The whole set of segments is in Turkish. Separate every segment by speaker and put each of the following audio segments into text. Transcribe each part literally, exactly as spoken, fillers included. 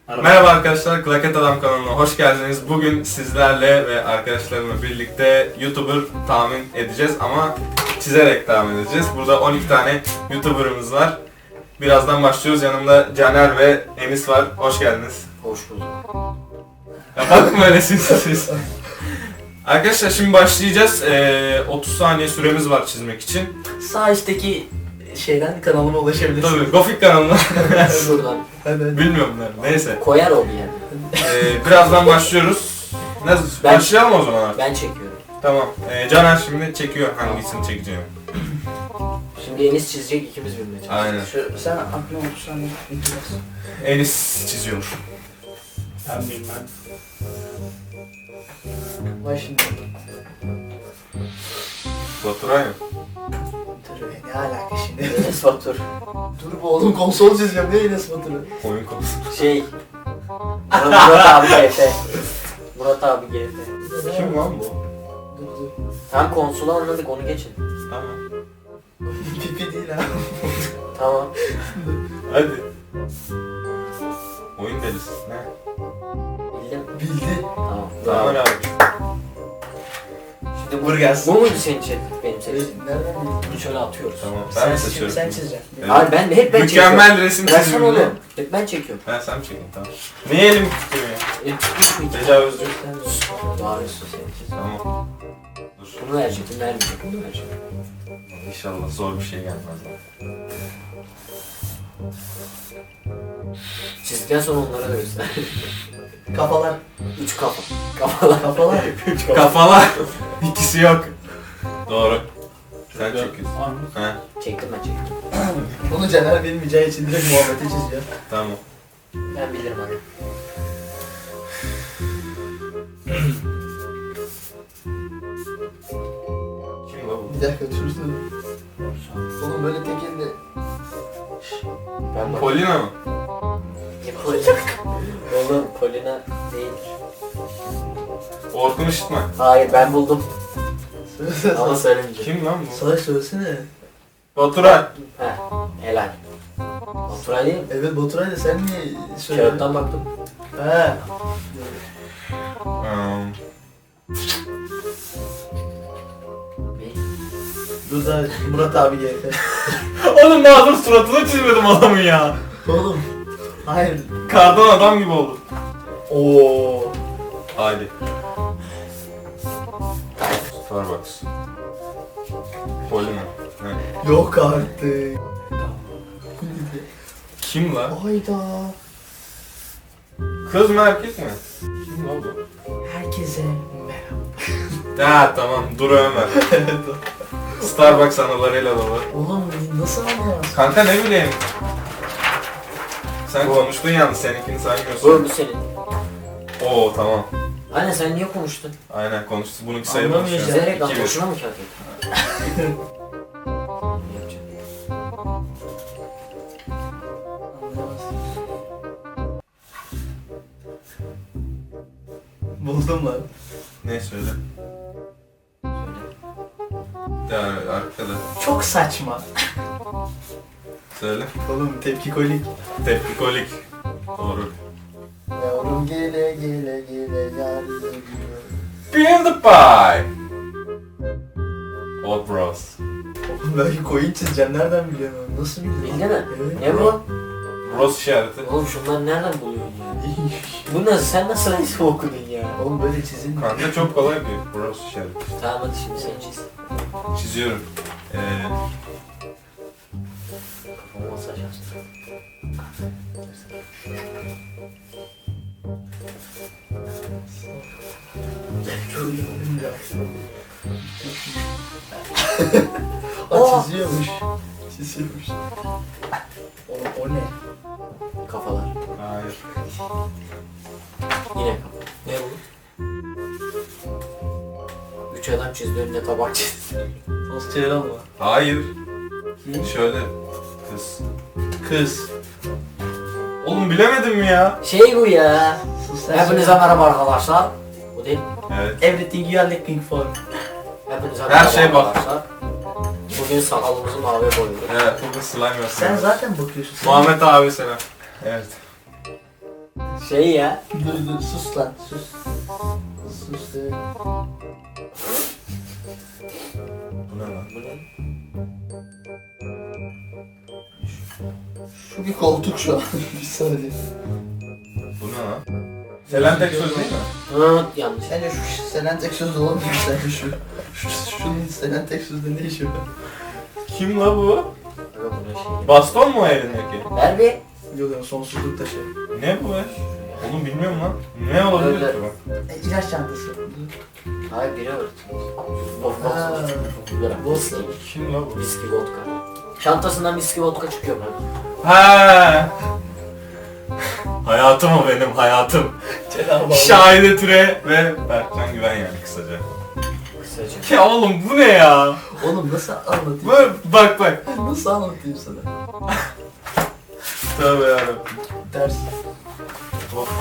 Speaker 1: Merhaba arkadaşlar, Klaket Adam kanalına hoş geldiniz. Bugün sizlerle ve arkadaşlarımla birlikte YouTuber tahmin edeceğiz ama çizerek tahmin edeceğiz. Burada on iki tane YouTuber'ımız var. Birazdan başlıyoruz. Yanımda Caner ve Enis var. Hoş geldiniz.
Speaker 2: Hoş bulduk.
Speaker 1: Ya bakma öyle siz. Arkadaşlar şimdi başlayacağız. Ee, otuz saniye süremiz var çizmek için.
Speaker 3: Sağ üstteki şeyden kanalıma ulaşabilirsiniz.
Speaker 1: Tabii Gofik kanalına.
Speaker 2: Buradan.
Speaker 3: Hadi hadi.
Speaker 1: Bilmiyorum nerede. Neyse.
Speaker 2: Koyar o bir yer.
Speaker 1: Ee, birazdan başlıyoruz. Nasıl?
Speaker 2: Ben-
Speaker 1: Başlayalım o zaman artık.
Speaker 2: Ben çekiyorum.
Speaker 1: Tamam. Ee, Caner şimdi çekiyor hangisini çekeceğimi.
Speaker 2: Şimdi Enis çizecek, ikimiz birbirine çizeceğiz.
Speaker 1: Aynen.
Speaker 3: Şu, sen aklına otuz saniye bitirirsin.
Speaker 1: Enis çiziyor.
Speaker 3: Ben bilmem. Vay şimdi.
Speaker 1: Baturay mı?
Speaker 3: Dur be, ne alaka şimdi?
Speaker 2: Enes Batur.
Speaker 3: Dur bu oğlum konsol çizeceğim, ne Enes Batur'u?
Speaker 1: Oyun konusu.
Speaker 2: Şey... Murat abi G F. Murat abi G F.
Speaker 1: Kim lan bu?
Speaker 3: Dur dur.
Speaker 2: Tam konsolu anladık, onu geçin.
Speaker 1: Tamam.
Speaker 3: Pipi değil ha.
Speaker 2: Tamam.
Speaker 1: Hadi. Oyun delisi. Ne?
Speaker 2: Bildim.
Speaker 3: Bildi.
Speaker 2: Tamam.
Speaker 1: Tamam
Speaker 2: Bravo.
Speaker 1: abi.
Speaker 2: Şimdi
Speaker 3: Vur gelsin.
Speaker 2: Bu muydu senin için? Benim seçtiğim.
Speaker 3: Nereden bildin?
Speaker 2: Bunu şöyle atıyoruz.
Speaker 1: Tamam. Ben
Speaker 3: Sen,
Speaker 1: mi
Speaker 3: şimdi
Speaker 1: seçiyorum?
Speaker 3: sen çizeceksin.
Speaker 1: Evet.
Speaker 2: Abi ben hep ben çekiyorum.
Speaker 1: Mükemmel resim
Speaker 2: Versene
Speaker 1: çiziminde.
Speaker 2: oğlum. Hep ben çekiyorum.
Speaker 1: Ben sen mi çekeyim? Tamam. Niye elim tutuyor ya?
Speaker 2: E, tutmuş mu iki?
Speaker 1: Tecavüzcü.
Speaker 2: Bağırıyorsun sen çiz.
Speaker 1: Tamam. Dur.
Speaker 2: Bunu verecektim, vermeyecek. Bunu verecektim.
Speaker 1: İnşallah zor bir şey gelmez.
Speaker 2: Çizdikten sonra onlara da göster.
Speaker 3: Kafalar.
Speaker 2: Üç kafa. Kafalar.
Speaker 3: Kafalar.
Speaker 2: Üç kafa.
Speaker 1: Kafalar. İkisi yok. Doğru. Sen çekiyorsun. He.
Speaker 2: Çektim ben çektim.
Speaker 3: Bunu Caner bilmeyeceği için direkt muhabbete çiziyor.
Speaker 1: Tamam.
Speaker 2: Ben bilirim hadi.
Speaker 1: Kim lan bu?
Speaker 3: Bir dakika dursun. Oğlum böyle tek elle.
Speaker 2: Ben bak.
Speaker 1: Polina mı?
Speaker 2: Ne Polina? Oğlum Polina değildir.
Speaker 1: Orkun Işıtmak.
Speaker 2: Hayır ben buldum
Speaker 3: Söylesene.
Speaker 2: ama söylemeyeceğim.
Speaker 1: Kim lan bu?
Speaker 3: Salak söylesene.
Speaker 1: Baturay.
Speaker 2: Heh, helal. Baturay değil mi?
Speaker 3: Evet Baturay da sen niye söylüyorsun?
Speaker 2: Kağıttan baktım.
Speaker 3: He.
Speaker 1: Um,
Speaker 2: Ne?
Speaker 3: Dur da Murat abi geldi.
Speaker 1: Oğlum daha dur suratını çizmedim adamın ya.
Speaker 3: Oğlum. Hayır.
Speaker 1: Kardan adam gibi oldu.
Speaker 3: Oo.
Speaker 1: Hadi. Starbucks. Polina. Ne?
Speaker 3: Yok artık.
Speaker 1: Kim lan?
Speaker 3: Hayda.
Speaker 1: Kız mı erkek mi? Kim lan bu?
Speaker 3: Herkese merhaba.
Speaker 1: Ha tamam dur Ömer. Starbucks anılarıyla dolu.
Speaker 3: Oğlum nasıl anlayamazsın?
Speaker 1: Kanka ne bileyim. Sen konuştun yalnız seninkini
Speaker 2: Bu,
Speaker 1: saymıyorsun.
Speaker 2: bu senin.
Speaker 1: Oo tamam.
Speaker 2: Anne sen niye konuştun?
Speaker 1: Aynen konuştu. Bununki sayılmaz şu an.
Speaker 3: Anlamıyor
Speaker 2: Çizerek lan
Speaker 1: İki bir.
Speaker 2: boşuna mı kağıt ettin? Yapacağım.
Speaker 3: Anlayamazsın. Buldum lan.
Speaker 1: Ne söyle?
Speaker 2: Söyle.
Speaker 1: Ya arkada.
Speaker 3: Çok saçma.
Speaker 1: Söyle.
Speaker 3: Oğlum tepki kolik.
Speaker 1: Tepkikolik. Doğru.
Speaker 3: Yavrum gele gele gele yardım ediyor.
Speaker 1: PewDiePie. Old Bros.
Speaker 3: Oğlum belki koyun çizeceğim nereden biliyorum? Nasıl biliyorum?
Speaker 2: Bildi mi?
Speaker 3: Evet.
Speaker 2: Ne bu?
Speaker 1: Bros işareti.
Speaker 2: Oğlum şunları nereden buluyorsun ya? Bu nasıl, sen nasıl resim okudun ya?
Speaker 3: Oğlum böyle çizilmiyor.
Speaker 1: Kanka çok kolay bir Bros işareti.
Speaker 2: Tamam hadi şimdi sen çiz.
Speaker 1: Çiziyorum. Ee,
Speaker 2: Kafamı masaj açtım.
Speaker 3: Aa çiziyormuş. Çiziyormuş. Oğlum o ne?
Speaker 2: Kafalar.
Speaker 1: hayır.
Speaker 2: Yine kafa. Ne bu? Üç adam çizdi, önüne tabak çizdi.
Speaker 3: Nasıl çevir ama?
Speaker 1: Hayır. Şöyle. Kız.
Speaker 3: Kız.
Speaker 1: Oğlum bilemedim mi ya?
Speaker 2: Şey bu ya.
Speaker 3: Sus sen
Speaker 2: Hepinize
Speaker 3: söyle.
Speaker 2: merhaba arkadaşlar. Bu değil mi?
Speaker 1: Evet.
Speaker 3: Everything you are looking for.
Speaker 2: Hepinize
Speaker 1: Her
Speaker 2: merhaba
Speaker 1: şeye bak.
Speaker 2: arkadaşlar. Bugün sakalımızı mavi boyuyoruz.
Speaker 1: Evet. Bugün slime yapıyorum.
Speaker 3: Sen zaten bakıyorsun. Sen
Speaker 1: Muhammed abi selam. Evet.
Speaker 2: Şey ya.
Speaker 3: Dur dur sus lan sus. Sus de.
Speaker 1: Bu ne lan?
Speaker 2: Bu ne?
Speaker 3: Şu bir koltuk şu an. Bir saniye.
Speaker 1: Bu ne lan? Selen tek söz değil mi?
Speaker 2: Hı, yanlış.
Speaker 3: Sence şu Selen tek söz olamıyor mu sence şu? şu şunun Selen tek sözde ne işi var?
Speaker 1: Kim la bu?
Speaker 2: Aga bu ne şey?
Speaker 1: Baston mu o elindeki?
Speaker 2: Ver bir.
Speaker 3: Yok yok sonsuzlukta şey.
Speaker 1: Ne bu be? Oğlum bilmiyorum lan. Ne olabilir
Speaker 2: Öyle.
Speaker 1: ki bu?
Speaker 3: E, ilaç çantası.
Speaker 2: Hayır biri öğretmiş. Of
Speaker 3: Ha.
Speaker 2: of. Viski.
Speaker 1: Kim la bu?
Speaker 2: Viski vodka. Çantasından viski vodka çıkıyor mu?
Speaker 1: Ha. Hayatım o benim hayatım.
Speaker 3: Cenab-ı
Speaker 1: Şahide Türe ve Berkcan Güven yani kısaca.
Speaker 2: Kısaca.
Speaker 1: Ya oğlum bu ne ya?
Speaker 3: Oğlum nasıl anlatayım?
Speaker 1: Bu bak bak.
Speaker 3: Nasıl anlatayım sana?
Speaker 1: Tövbe yarabbim.
Speaker 3: Ders.
Speaker 1: Of.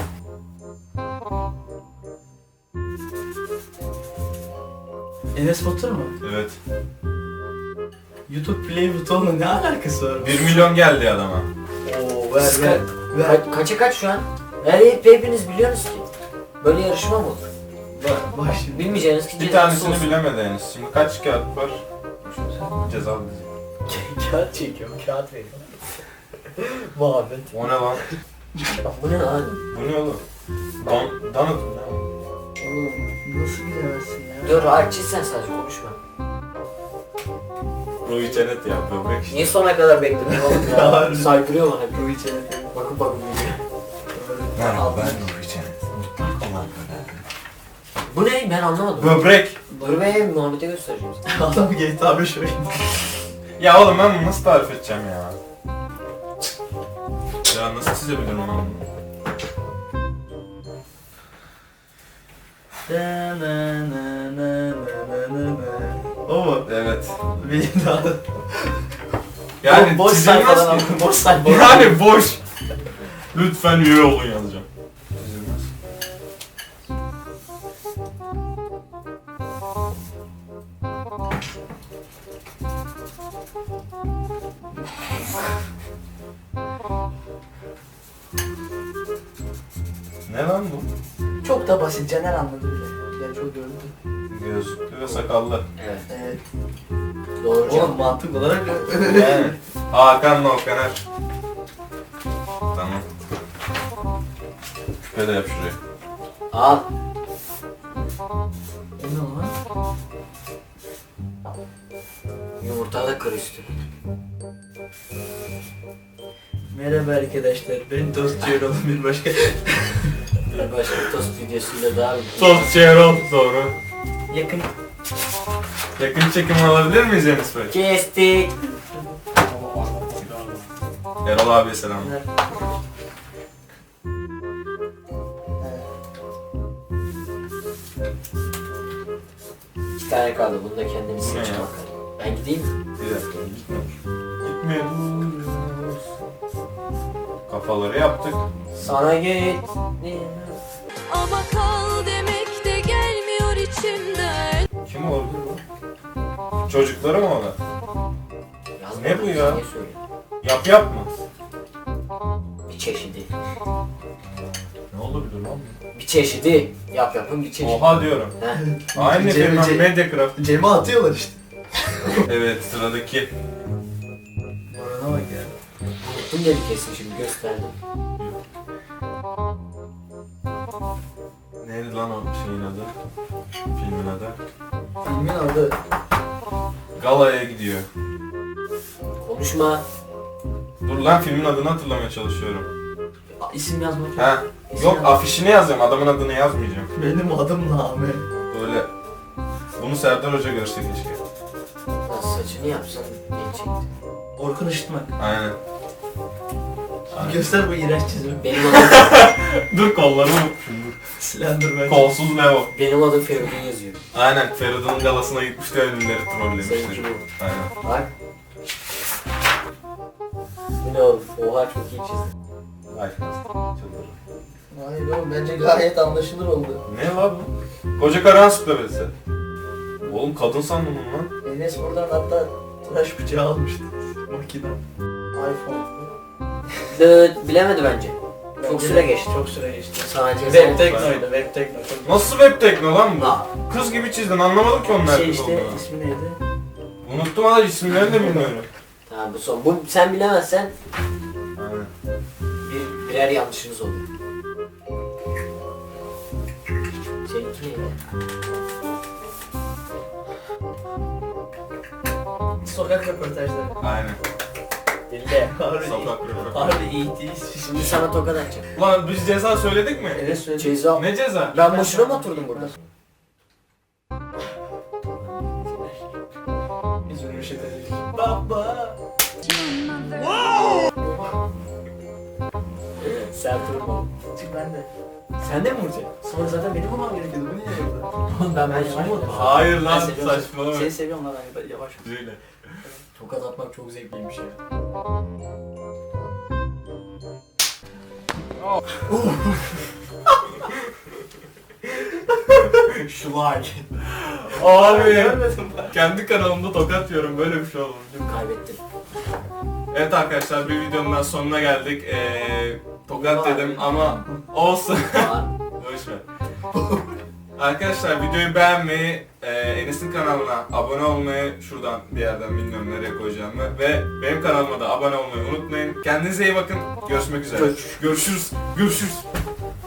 Speaker 3: Enes Batur mu?
Speaker 1: Evet.
Speaker 3: YouTube Play butonla ne alakası var?
Speaker 1: bir milyon geldi adama.
Speaker 3: Oo ver
Speaker 2: Ska-
Speaker 3: ver. Ver.
Speaker 2: Ka- kaça kaç şu an? Her hep hepiniz biliyorsunuz ki. Böyle yarışma mı olur?
Speaker 3: Bak, bak şimdi.
Speaker 2: Bilmeyeceğiniz ki
Speaker 1: Bir
Speaker 2: cezası
Speaker 1: tanesini
Speaker 2: olsun.
Speaker 1: bilemedi henüz. Şimdi kaç kağıt var? Cezalı diyecek.
Speaker 3: Kağıt çekiyorum, kağıt veriyorum. Muhabbet.
Speaker 1: O ne lan?
Speaker 2: Bu ne lan?
Speaker 1: Bu ne oğlum? Don, donut mu ne o?
Speaker 3: Oğlum nasıl bilemezsin ya?
Speaker 2: Dur aç sen sadece konuşma.
Speaker 1: Ruhi Çenet ya böbrek işte.
Speaker 2: Niye sona kadar bekledin oğlum ya?
Speaker 3: Harbi.
Speaker 2: Saydırıyor bana bir.
Speaker 3: Bu içeri.
Speaker 2: Bakın bakın biliyor.
Speaker 1: Merhaba ben Ruhi Çenet.
Speaker 2: Bu ne? Ben anlamadım.
Speaker 1: Böbrek.
Speaker 2: Dur be Muhammed'e göstereceğim sana.
Speaker 3: Adam G T A beş oynuyor.
Speaker 1: Ya oğlum ben bunu nasıl tarif edeceğim ya? Ya nasıl çizebilirim ben bunu?
Speaker 3: Na na na na na na na. O mu?
Speaker 1: Evet.
Speaker 3: Benim daha da.
Speaker 1: Yani
Speaker 3: boş
Speaker 1: çizilmez
Speaker 3: sayfadan
Speaker 1: ki.
Speaker 3: aldım. Boş sayfa.
Speaker 1: Yani boş. Lütfen üye olun yazacağım. Çizilmez. Ne lan bu?
Speaker 3: Çok da basit. Caner anladı bile. Ben çok gördüm.
Speaker 1: Gözlüklü ve sakallı.
Speaker 2: Evet.
Speaker 3: Evet.
Speaker 2: Doğru
Speaker 3: Oğlum
Speaker 2: cevap.
Speaker 3: mantık olarak
Speaker 1: Yani Hakan'la Okaner. Tamam. Küpe de yap şuraya.
Speaker 2: Al.
Speaker 3: ne lan?
Speaker 2: Yumurta da kır üstü.
Speaker 3: Merhaba arkadaşlar. Ben Tost Yorul'un bir başka.
Speaker 2: Bir başka tost videosuyla daha
Speaker 1: Tost Çerol doğru.
Speaker 3: Yakın.
Speaker 1: Yakın çekim alabilir miyiz Enis Bey?
Speaker 2: Kestik.
Speaker 1: Erol abiye selamlar.
Speaker 2: İki tane kaldı. Bunu da kendiniz
Speaker 1: Bu ne
Speaker 2: seçin
Speaker 1: ya?
Speaker 2: bakalım. Ben gideyim mi?
Speaker 1: Bir dakika gitmiyoruz. Gitmiyoruz. Kafaları yaptık.
Speaker 2: Sana git.
Speaker 4: Ama kal demek de gelmiyor içimden.
Speaker 1: Kim olabilir bu? Çocukları mı o da? Ne bu ya?
Speaker 2: Niye söylüyorsun?
Speaker 1: Yap yap mı?
Speaker 2: Bir çeşidi.
Speaker 1: Ne olabilir lan?
Speaker 2: Bir çeşidi. Yap yapın bir çeşidi.
Speaker 1: Oha diyorum.
Speaker 2: Heh.
Speaker 1: Aynı
Speaker 3: Cem-
Speaker 1: firma
Speaker 3: Cem-
Speaker 1: Mediacraft.
Speaker 3: Cem'e atıyorlar işte.
Speaker 1: Evet sıradaki.
Speaker 3: Orana bak ya.
Speaker 2: Unuttum dedi kesin şimdi gösterdim.
Speaker 1: Neydi lan o şeyin adı? Filmin adı?
Speaker 3: Filmin adı.
Speaker 1: Galaya gidiyor.
Speaker 2: Konuşma.
Speaker 1: Dur lan filmin adını hatırlamaya çalışıyorum.
Speaker 3: A, isim yazmak yok.
Speaker 1: Ha?
Speaker 3: İsim
Speaker 1: Yok
Speaker 3: yazmak.
Speaker 1: afişini yazacağım adamın adını yazmayacağım.
Speaker 3: Benim adım Name.
Speaker 1: Böyle. Bunu Serdar Hoca görse keşke.
Speaker 2: Lan saçını yapsan gelecekti.
Speaker 3: Orkun Işıtmak.
Speaker 1: Aynen. Aynen.
Speaker 3: Göster bu iğrenç çizimi.
Speaker 2: Benim adım,
Speaker 1: Dur kollarımı unutmuşum dur.
Speaker 3: Slenderman.
Speaker 1: Kolsuz Leo.
Speaker 2: benim adım Feridun yazıyor.
Speaker 1: Aynen Feridun'un galasına gitmişti ünlüleri
Speaker 2: Seninki
Speaker 1: trollemişti.
Speaker 2: bu.
Speaker 1: Aynen.
Speaker 2: Bak. Bu ne oğlum? Oha çok iyi çizdin.
Speaker 1: Vay çıldırırım.
Speaker 3: Hayır oğlum bence gayet anlaşılır oldu.
Speaker 1: Ne la bu? Koca Karahan süplemesi. Oğlum kadın sandım lan.
Speaker 3: Enes buradan hatta tıraş bıçağı almıştı. Makine. iPhone.
Speaker 2: Dıt bilemedi bence. Çok süre geçti.
Speaker 5: Çok süre geçti.
Speaker 2: Sadece
Speaker 5: Web Tekno'ydu, Web Tekno. Çok
Speaker 1: Nasıl web tekno lan bu?
Speaker 2: Aa.
Speaker 1: Kız gibi çizdin, anlamadım ki onlar
Speaker 5: şey
Speaker 1: kız
Speaker 5: işte,
Speaker 1: olduğunu.
Speaker 5: ismi neydi?
Speaker 1: Unuttum hala, isimlerini de bilmiyorum.
Speaker 2: Tamam bu son. Bu sen bilemezsen
Speaker 1: Aynen.
Speaker 2: bir, birer yanlışınız oluyor. Seninki neydi?
Speaker 5: Sokak röportajları.
Speaker 1: Aynen.
Speaker 5: Bildi. Harbi iyi.
Speaker 1: Sokak röportajı.
Speaker 5: Harbi iyi değil.
Speaker 2: Şimdi sana tokat atacağım.
Speaker 1: Ulan biz ceza söyledik mi?
Speaker 5: Evet söyledim.
Speaker 2: Ceza.
Speaker 1: Ne ceza?
Speaker 2: Ben boşuna mı oturdum burada?
Speaker 5: Biz bunu bir şey dedik. Baba.
Speaker 2: Sert vurma.
Speaker 5: Çık ben de.
Speaker 2: Sen de mi vuracaksın?
Speaker 5: Sonra zaten benim vurmam gerekiyordu. Bu niye yaptı?
Speaker 2: Oğlum ben
Speaker 5: Ben
Speaker 2: boşuna
Speaker 5: yavaş
Speaker 2: mı oturdum?
Speaker 1: Hayır
Speaker 5: Ben
Speaker 1: lan,
Speaker 5: seviyorum.
Speaker 1: saçmalama.
Speaker 5: Seni seviyorum lan ben yavaş.
Speaker 1: Öyle.
Speaker 2: Tokat atmak çok zevkliymiş ya.
Speaker 5: Şu like.
Speaker 1: Abi
Speaker 5: Görmedim ben.
Speaker 1: kendi kanalımda tokat yiyorum, böyle bir şey olmamış.
Speaker 2: Kaybettim.
Speaker 1: Evet arkadaşlar, bir videonun daha sonuna geldik. Ee, tokat dedim ama olsun.
Speaker 2: Aa,
Speaker 1: Boş ver. Arkadaşlar videoyu beğenmeyi, e, Enes'in kanalına abone olmayı, şuradan bir yerden bilmiyorum nereye koyacağımı, ve benim kanalıma da abone olmayı unutmayın. Kendinize iyi bakın. Görüşmek üzere. Görüşürüz. Görüşürüz.